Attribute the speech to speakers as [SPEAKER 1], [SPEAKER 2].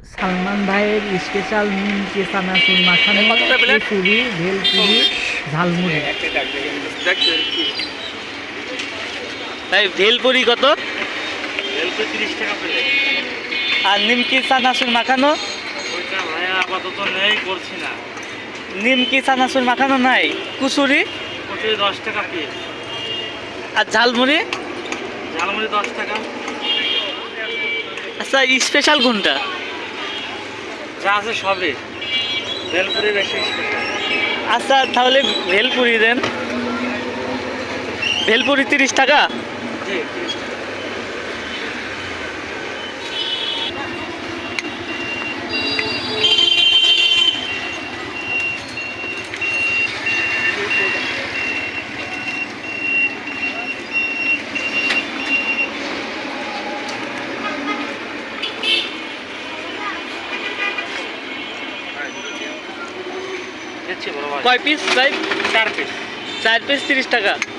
[SPEAKER 1] সালমান ভাইয়ের স্পেশাল নিমকি চানাচুর মাখানো, খিচুড়ি, ভেলপুরি, ঝালমুড়ি।
[SPEAKER 2] ভাই ভেলপুরি কত?
[SPEAKER 3] ভেলপুরি 30 টাকা প্লেট।
[SPEAKER 2] আর নিমকি চানাচুর মাখানো?
[SPEAKER 3] ওইটা ভাইয়া আপাতত নেই, করছি না।
[SPEAKER 2] নিমকি চানাচুর মাখানো নাই? কুচুরি?
[SPEAKER 3] কচুরি 10 টাকা পিস।
[SPEAKER 2] আর ঝালমুড়ি?
[SPEAKER 3] ঝালমুড়ি 10 টাকা।
[SPEAKER 2] আচ্ছা, স্পেশাল কোনটা?
[SPEAKER 3] যা আছে সবই। ভেলপুরি বেশি স্পেশাল।
[SPEAKER 2] আচ্ছা তাহলে ভেলপুরি দেন। ভেলপুরি 30 টাকা।
[SPEAKER 3] জি 30 টাকা। দিচ্ছি বড় ভাই।
[SPEAKER 2] কয় পিস ভাই?
[SPEAKER 3] 4 পিস।
[SPEAKER 2] 4 পিস 30 টাকা।